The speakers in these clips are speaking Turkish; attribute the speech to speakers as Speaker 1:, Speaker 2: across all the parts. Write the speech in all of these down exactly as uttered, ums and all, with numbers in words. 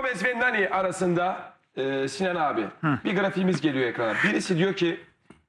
Speaker 1: Gomez ve Nani arasında e, Sinan abi Hı. bir grafiğimiz geliyor ekrana. Birisi diyor ki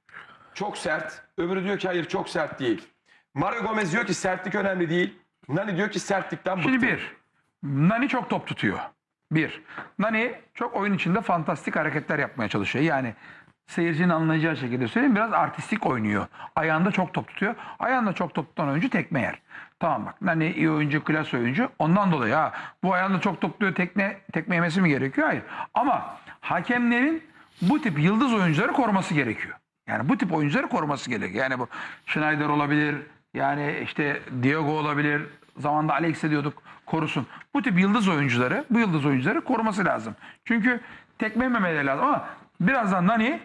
Speaker 1: çok sert, öbürü diyor ki hayır çok sert değil. Mario Gomez diyor ki sertlik önemli değil. Nani diyor ki sertlikten bıktım.
Speaker 2: Şimdi bir, Nani çok top tutuyor. Bir, Nani çok oyun içinde fantastik hareketler yapmaya çalışıyor. Yani seyircinin anlayacağı şekilde söyleyeyim, biraz artistik oynuyor. Ayağında çok top tutuyor. Ayağında çok top tutan oyuncu tekme yer. Tamam bak, Nani iyi oyuncu, klas oyuncu. Ondan dolayı ha bu ayağında çok top tutuyor, tekne, tekme yemesi mi gerekiyor? Hayır. Ama hakemlerin bu tip yıldız oyuncuları koruması gerekiyor. Yani bu tip oyuncuları koruması gerekiyor. Yani bu Schneider olabilir, yani işte Diego olabilir. Zamanında Alex'e diyorduk korusun. Bu tip yıldız oyuncuları, bu yıldız oyuncuları koruması lazım. Çünkü tekme yememeleri lazım ama birazdan Nani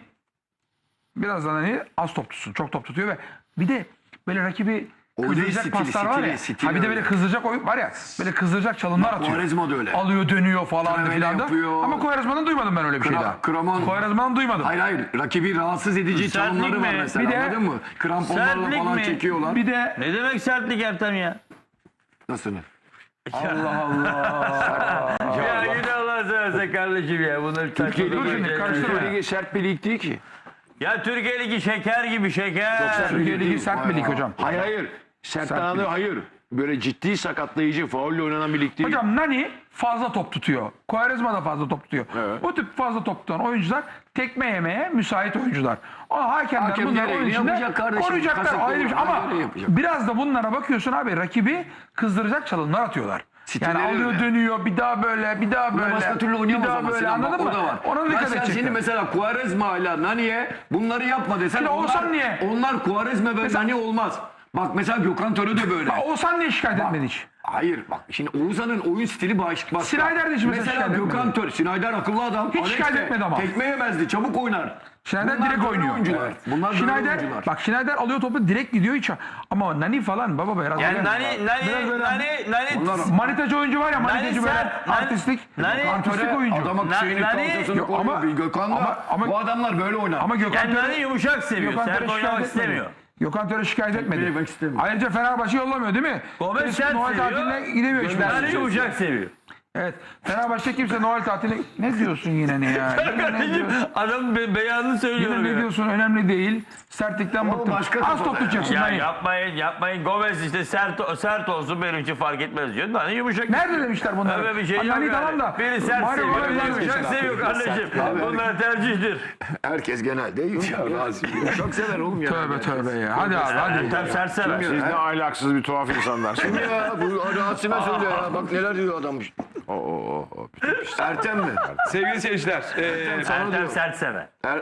Speaker 2: birazdan Nani az top tutsun. Çok top tutuyor ve bir de böyle rakibi kızdıracak paslar var ya. Stili, ha bir de böyle kızdıracak oyun var ya. Böyle kızdıracak çalımlar atıyor.
Speaker 3: Quaresma da öyle.
Speaker 2: Alıyor, dönüyor falan filan da. Ama Quaresma'dan duymadım ben öyle bir şey daha.
Speaker 3: Kramon.
Speaker 2: Quaresma'dan duymadım.
Speaker 3: Hayır hayır. Rakibi rahatsız edici çalımları var mesela. Bir de, anladın mı? Kramponlarla falan mi? Çekiyorlar.
Speaker 2: Bir de
Speaker 4: ne demek sertlik Ertem ya?
Speaker 3: Nasıl?
Speaker 2: Allah Allah.
Speaker 4: Ya yine Allah seversen kardeşim ya. Bunları
Speaker 3: Türkiye Ligi
Speaker 2: karıştırma.
Speaker 3: sert bir lig değil ki.
Speaker 4: Ya Türkiye Ligi şeker gibi şeker.
Speaker 2: Türkiye Ligi sert bir lig hocam.
Speaker 3: Hayır hayır. Sert anlamda hayır. Böyle ciddi sakatlayıcı, faulle oynanan bir lig değil.
Speaker 2: Hocam Nani fazla top tutuyor. Quaresma da fazla top tutuyor.
Speaker 3: Evet.
Speaker 2: Bu tip fazla top tutan oyuncular tekme yemeye müsait oyuncular. O hakemler
Speaker 3: Hakem
Speaker 2: bunları
Speaker 3: gereğini
Speaker 2: oyun içinde
Speaker 3: yapacak kardeşim.
Speaker 2: koruyacaklar.
Speaker 3: Kasıtlı
Speaker 2: Ayrı bir şey. Ama
Speaker 3: gereği yapacak.
Speaker 2: biraz da bunlara bakıyorsun abi, rakibi kızdıracak çalımlar atıyorlar.
Speaker 3: Stilleri
Speaker 2: Yani alıyor
Speaker 3: öyle.
Speaker 2: dönüyor, bir daha böyle, bir daha böyle.
Speaker 3: Başka türlü
Speaker 2: bir
Speaker 3: oynayamaz
Speaker 2: daha
Speaker 3: ama
Speaker 2: böyle,
Speaker 3: Sinan, bak,
Speaker 2: anladın
Speaker 3: o
Speaker 2: mı?
Speaker 3: da var.
Speaker 2: Ona
Speaker 3: Ya
Speaker 2: dikkat
Speaker 3: sen
Speaker 2: edecekler.
Speaker 3: şimdi mesela Quaresma ile Nani'ye bunları yapma desen
Speaker 2: Şimdi
Speaker 3: onlar,
Speaker 2: Oğuzhan niye?
Speaker 3: onlar Quaresma ve
Speaker 2: Mesela-
Speaker 3: Nani olmaz. Bak mesela Gökhan Töre de böyle.
Speaker 2: Bak, Oğuzhan niye şikayet etmedi hiç?
Speaker 3: Hayır bak şimdi Oğuzhan'ın oyun stili başka.
Speaker 2: Schneider de hiç mesela
Speaker 3: mesela
Speaker 2: şikayet
Speaker 3: Gökhan
Speaker 2: etmedi.
Speaker 3: Töre, Schneider akıllı adam.
Speaker 2: Hiç
Speaker 3: Alex
Speaker 2: şikayet
Speaker 3: de
Speaker 2: etmedi ama.
Speaker 3: Tekme yemezdi, çabuk oynar.
Speaker 2: Schneider
Speaker 3: Bunlar
Speaker 2: direkt
Speaker 3: böyle
Speaker 2: oynuyor.
Speaker 3: oyuncular.
Speaker 2: Evet.
Speaker 3: Bunlar böyle
Speaker 2: Schneider,
Speaker 3: oyuncular.
Speaker 2: bak Schneider alıyor topu direkt gidiyor hiç. Ama Nani falan baba biraz.
Speaker 4: Yani
Speaker 2: böyle-
Speaker 4: Nani,
Speaker 2: biraz
Speaker 4: Nani,
Speaker 2: böyle-
Speaker 4: Nani, Nani,
Speaker 3: Onlar-
Speaker 2: Manitacı oyuncu var ya, manitacı böyle
Speaker 4: sert, Nani-
Speaker 2: artistlik.
Speaker 4: Nani-
Speaker 2: artistlik oyuncu.
Speaker 3: Adama
Speaker 4: Na-
Speaker 3: şeyini
Speaker 4: Nani-
Speaker 3: kalçasını
Speaker 2: Yok, ama-
Speaker 3: koyuyor. Gökhan'la
Speaker 2: ama- ama-
Speaker 3: bu adamlar böyle oynar.
Speaker 2: Ama Gökhan
Speaker 4: yani
Speaker 2: Töre,
Speaker 4: Nani yumuşak seviyor.
Speaker 2: Gökhan
Speaker 4: Sert
Speaker 2: Töre
Speaker 4: oynamak
Speaker 2: şikayet etmedi.
Speaker 4: istemiyor.
Speaker 2: Gökhan Töre şikayet etmedi.
Speaker 3: yemek istemiyor.
Speaker 2: Ayrıca Fenerbahçe yollamıyor değil mi?
Speaker 4: Gomez
Speaker 2: Kimse
Speaker 4: sert
Speaker 2: Noel
Speaker 4: seviyor.
Speaker 2: tatiline gidemiyor hiçbir
Speaker 4: Nani
Speaker 2: yere.
Speaker 4: yumuşak seviyor.
Speaker 2: Evet. Fenerbahçe kimse Noel tatiline... Ne diyorsun yine ne ya? Yine ne
Speaker 4: Kardeşim
Speaker 2: diyorsun?
Speaker 4: adam be beyanını söylüyor.
Speaker 2: Yine ne
Speaker 4: ya.
Speaker 2: diyorsun? Önemli değil. Sertlikten bıktım.
Speaker 3: başka
Speaker 2: Az
Speaker 3: kafada
Speaker 2: top tutacaksın.
Speaker 4: Ya
Speaker 2: Nani.
Speaker 4: yapmayın yapmayın Gomez işte sert sert olsun benim için fark etmez diyor. Nani yumuşak.
Speaker 2: Nerede demişler bunları?
Speaker 4: Öyle bir şey yok.
Speaker 2: Nani
Speaker 4: yani.
Speaker 2: tamam da.
Speaker 4: Biri sert
Speaker 2: Mario
Speaker 4: seviyor,
Speaker 2: Gomez
Speaker 4: biri
Speaker 2: var
Speaker 4: yumuşak
Speaker 2: mesela.
Speaker 4: seviyor kardeşim. Bunlar tercihtir.
Speaker 3: Herkes genelde çok sever oğlum ya.
Speaker 2: Tövbe tövbe ya. Hadi abi hadi.
Speaker 4: Ertem sert sever.
Speaker 5: Siz ne ahlaksız bir tuhaf insanlarsınız.
Speaker 3: Ya bu Rasim'e söyle ya. Bak neler diyor adam.
Speaker 5: Oo, oo, oo.
Speaker 3: Ertem mi?
Speaker 1: Sevgili seyirciler. E,
Speaker 4: Ertem sert sever.
Speaker 3: Er...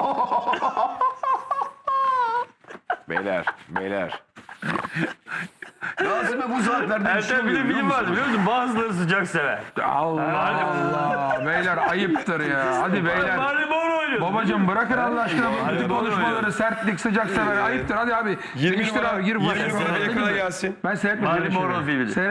Speaker 5: Beyler, beyler.
Speaker 3: Rasim'e bu saatlerde bir şey
Speaker 4: Ertem bir de
Speaker 3: oluyor, biliyor
Speaker 4: film vardı
Speaker 3: musun?
Speaker 4: biliyor musun? Bazıları sıcak sever.
Speaker 2: Allah Allah. Beyler ayıptır ya. Hadi beyler.
Speaker 4: Bari Mor oynuyor.
Speaker 2: Babacım bırakın Allah aşkına bu
Speaker 4: Hadi
Speaker 2: bütün
Speaker 4: bana
Speaker 2: konuşmaları, sertlik, sıcak sever. Ayıptır hadi abi.
Speaker 1: yirmi
Speaker 2: Değiştir
Speaker 1: numara,
Speaker 2: abi, gir bu
Speaker 1: yirmi
Speaker 2: başa.
Speaker 1: numara ekrana gelsin.
Speaker 2: Ben seyretmedim.
Speaker 4: Marilyn
Speaker 2: öyle şeyleri.
Speaker 4: Monroe filmi.
Speaker 2: Seyret-